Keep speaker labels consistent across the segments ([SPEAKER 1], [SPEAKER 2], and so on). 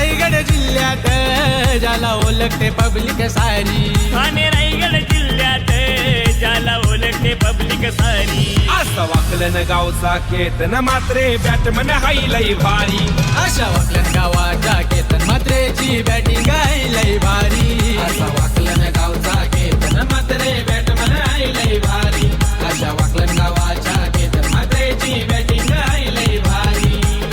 [SPEAKER 1] रायगड जिल्ह्यात ज्याला ओळखते पब्लिक सारी,
[SPEAKER 2] ठाणे रायगड जिल्ह्यात ज्याला ओळखते पब्लिक सारी.
[SPEAKER 3] असं वाकलन गावचा केतन मात्रे बॅटमन हाय लय भारी.
[SPEAKER 1] अशा वाकलन गावाच्या केतन मात्रेची बॅटिंग आहे लय भारी.
[SPEAKER 4] असा वाकलन गावचा केतन मात्रे बॅटमन हाय लय भारी. अशा वाकलन गावाच्या केतन मात्रेची बॅटिंग हाय लय भारी.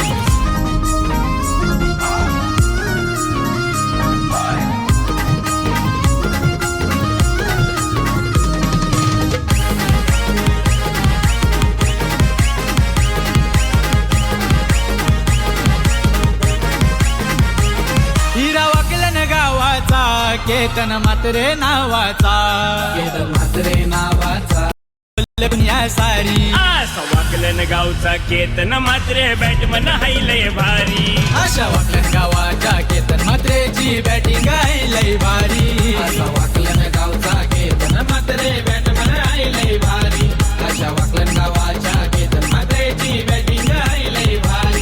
[SPEAKER 1] हिरा वाकलन गावाचा केतन मात्रे नावाचा,
[SPEAKER 4] केतन मात्रे नावाचा
[SPEAKER 1] दुनिया सारी.
[SPEAKER 2] असं वाकलन गावचा केतन मात्रे बॅटमन हाय लय भारी.
[SPEAKER 1] अशा वाकलन गावाच्या केतन मात्रेची बॅटिंग आहे लय भारी.
[SPEAKER 4] असा वाकलन गावचा केतन मात्रे बॅटमन हाय लय भारी. अशा वाकलन गावाच्या केतन मात्रेची बॅटिंग हाय लय भारी.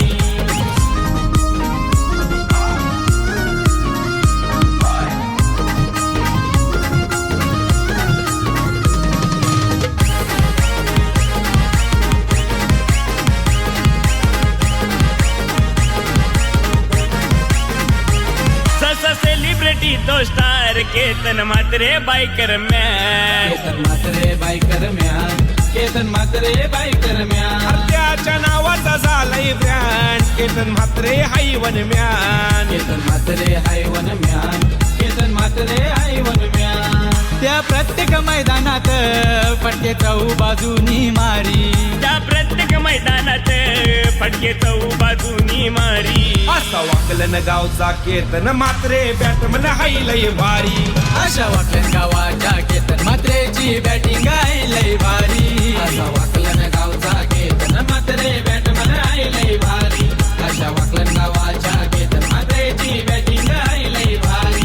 [SPEAKER 2] सेलिब्रिटी तो star Ketan Mhatre biker man.
[SPEAKER 4] Ketan Mhatre biker man. Ketan Mhatre biker man.
[SPEAKER 3] त्याच्या नावाचा झालंय ब्रँड केतन म्हात्रे हाय वन म्यान.
[SPEAKER 4] केतन मात्रे हाय वन म्यान. केतन मात्रे हाय वन म्यान.
[SPEAKER 1] त्या प्रत्येक मैदानात फटके चौ बाजूनी मारी.
[SPEAKER 2] त्या प्रत्येक मैदानात फटके चौ बाजूनी मारी.
[SPEAKER 3] असा वाकलन गावचा केतन मात्रे बॅटमन हाय लय भारी.
[SPEAKER 1] अशा वाकलन गावाच्या केतन मात्रेची बॅटिंग आहे लय भारी.
[SPEAKER 4] असा वाकलन गावचा केतन मात्रे बॅटमन हाय लय भारी. अशा वाकलन गावाच्या केतन मात्रेची बॅटिंग हाय लय भारी.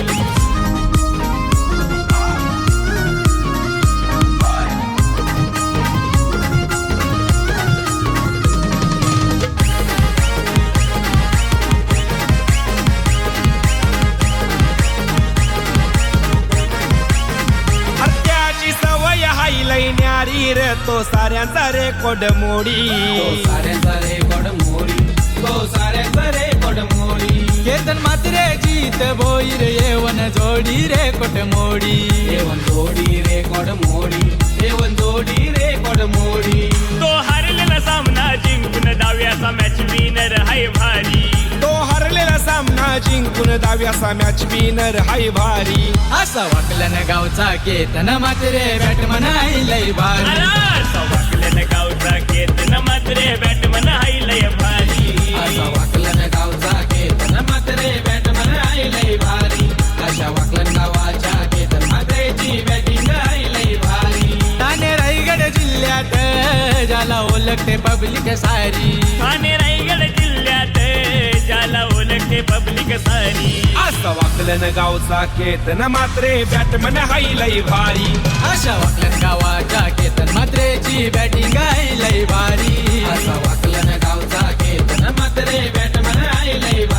[SPEAKER 3] त्याची सवय हाय लय न्यारी रे तो साऱ्यांचा रेकॉर्ड मोडी.
[SPEAKER 4] तो साऱ्यांचा रेकॉर्ड मोडी. तो साऱ्यांचा रेकॉर्ड मोडी.
[SPEAKER 1] केतन मात्रे जीत भोईर येवन जोडी रे कोट मोडी.
[SPEAKER 4] येवन जोडी रेकॉर्ड मोडी. येवन जोडी रेकॉर्ड मोडी.
[SPEAKER 2] तो हरलेला सामना जिंकून डाव्याचा मॅच विनर हाय भारी.
[SPEAKER 3] तो हरलेला सामना जिंकून दाव्याचा मॅच विनर हाय भारी.
[SPEAKER 1] असा वाकलन गावचा केतन मात्रे बॅटमन आहे लय भारी.
[SPEAKER 2] असं वाकलन गावचा केतन मात्रे बॅटमन हाय लय भारी.
[SPEAKER 4] असा वाकलन गावचा केतन मात्रे बॅटमन हाय लय भारी. अशा वाकलन गावाच्या केतन मात्रेची बॅटिंग हाय लय भारी.
[SPEAKER 1] ठाणे रायगड जिल्ह्यात ज्याला ओळखते पब्लिक सारी.
[SPEAKER 2] ठाणे रायगड जिल्ह्यात ज्याला ओळखते पब्लिक सारी.
[SPEAKER 3] असं वाकलन गावचा केतन मात्रे बॅटमन हाय लय भारी.
[SPEAKER 1] अशा वाकलन गावाच्या केतन मात्रेची बॅटिंग आहे लय भारी.
[SPEAKER 4] असा वाकलन गावचा केतन मात्रे बॅटमन हाय लय भारी.